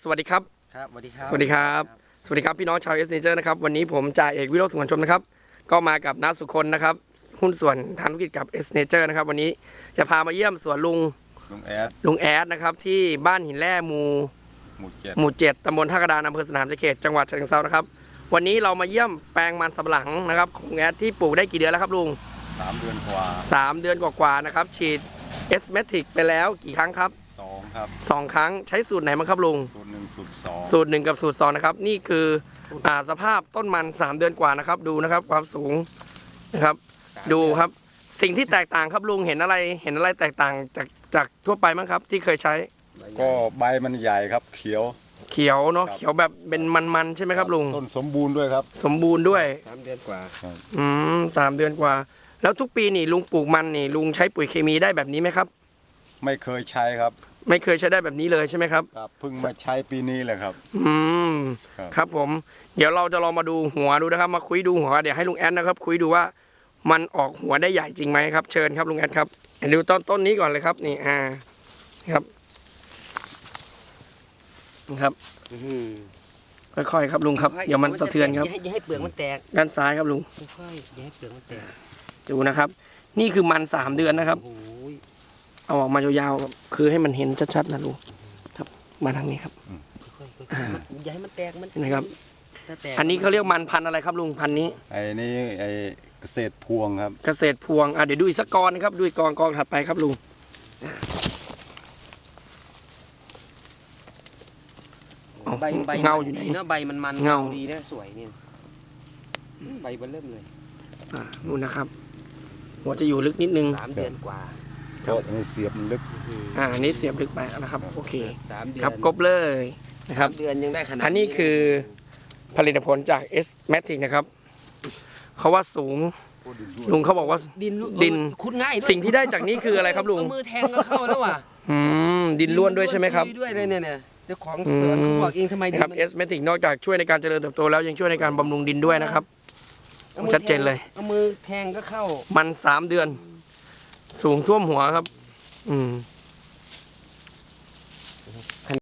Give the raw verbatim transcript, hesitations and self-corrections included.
สวัสดีครับครับสวัสดีครับสวัสดีครับสวัสดีครับพี่น้องชาวเอสเนเจอร์นะครับวันนี้ผมจ่าเอกวิโรจน์สุวรรณชมนะครับก็มากับน้าสุคนนะครับหุ้นส่วนทางธุรกิจกับเอสเนเจอร์นะครับวันนี้จะพามาเยี่ยมสวนลุงลุงแอดลุงแอดนะครับที่บ้านหินแร่หมู่หมู่เจ็ดหมู่เจ็ดตำบลท่ากระดานอำเภอสนามชัยเขตจังหวัดฉะเชิงเทรานะครับวันนี้เรามาเยี่ยมแปลงมันสำปะหลังนะครับของลุงแอดที่ปลูกได้กี่เดือนแล้วครับลุงสามเดือนกว่าสามเดือนกว่าๆนะครับฉีดเอสเมทิกไปแล้วกี่ครั้งครับสองครับสองครั้งใช้สูตรไหนบ้างครับลุงสูตรหนึ่งสูตรสองสูตรหนึ่งกับสูตรสองนะครับนี่คืออ่าสภาพต้นมันสามเดือนกว่านะครับดูนะครับความสูงนะครับดูครับสิ่งที่แตกต่างครับลุงเห็นอะไรเห็นอะไรแตกต่างจากจากทั่วไปมั้งครับที่เคยใช้ก็ใบมันใหญ่ครับเขียวเขียวเนาะเขียวแบบเป็นมันๆใช่ไหมครับลุงต้นสมบูรณ์ด้วยครับสมบูรณ์ด้วยสามเดือนกว่าอืมสามเดือนกว่าแล้วทุกปีนี่ลุงปลูกมันนี่ลุงใช้ปุ๋ยเคมีได้แบบนี้ไหมครับไม่เคยใช้ครับไม่เคยใช้ได้แบบนี้เลยใช่ไหมครับครับเพิ่งมาใช้ปีนี้แหละครับอืมครับผมเดี๋ยวเราจะลองมาดูหัวดูนะครับมาคุยดูหัวเดี๋ยวให้ลุงแอดนะครับคุยดูว่ามันออกหัวได้ใหญ่จริงไหมครับเชิญครับลุงแอดครับดูต้นต้นนี้ก่อนเลยครับนี่อ่าครับนะครับค่อยๆครับลุงครับเดี๋ยวมันสะเทือนครับอย่าให้เปลือกมันแตกด้านซ้ายครับลุงค่อยๆอย่าให้เปลือกมันแตกดูนะครับนี่คือมันสามเดือนนะครับเอาออกมายาวๆคือให้มันเห็นชัดๆนะลุงครับมาทางนี้ครับอย่าให้มันแตกมันนะครับอันนี้เขาเรียกมันพันอะไรครับลุงพันนี้ไอ้นี่ไอ้เกษตรพวงครับเกษตรพวงอ่ะเดี๋ยวดูอีกสักกองนะครับดูอีกกองกองถัดไปครับลุงใบใบเงาอยู่ไหนเนาะใบมันมันเงาดีนะสวยเนี่ยใบมันเริ่มเลยอ่านู่นนะครับหัวจะอยู่ลึกนิดนึงสามเดือนกว่าเพราะนี่เสียบมันลึกอ่าอันนี้เสียบลึกไปนะครับโอเคสามเดือนครับกบเลยนะครับเดือนยังได้ขนาดอันนี้คือผลิตผลจากเอสแมทริกนะครับเขาว่าสูงลุงเขาบอกว่าดินดินขุดง่ายด้วยสิ่งที่ได้จากนี้คืออะไรครับลุงมือแทงก็เข้าแล้วว่ะอืมดินล้วนด้วยใช่ไหมครับด้วยเลยเนี่ยเนี่ยเจ้าของสวนเขาบอกเองทำไมครับเอสแมทริกนอกจากช่วยในการเจริญเติบโตแล้วยังช่วยในการบำรุงดินด้วยนะครับชัดเจนเลยเอามือแทงก็เข้ามันสามเดือนสูงท่วมหัวครับอืม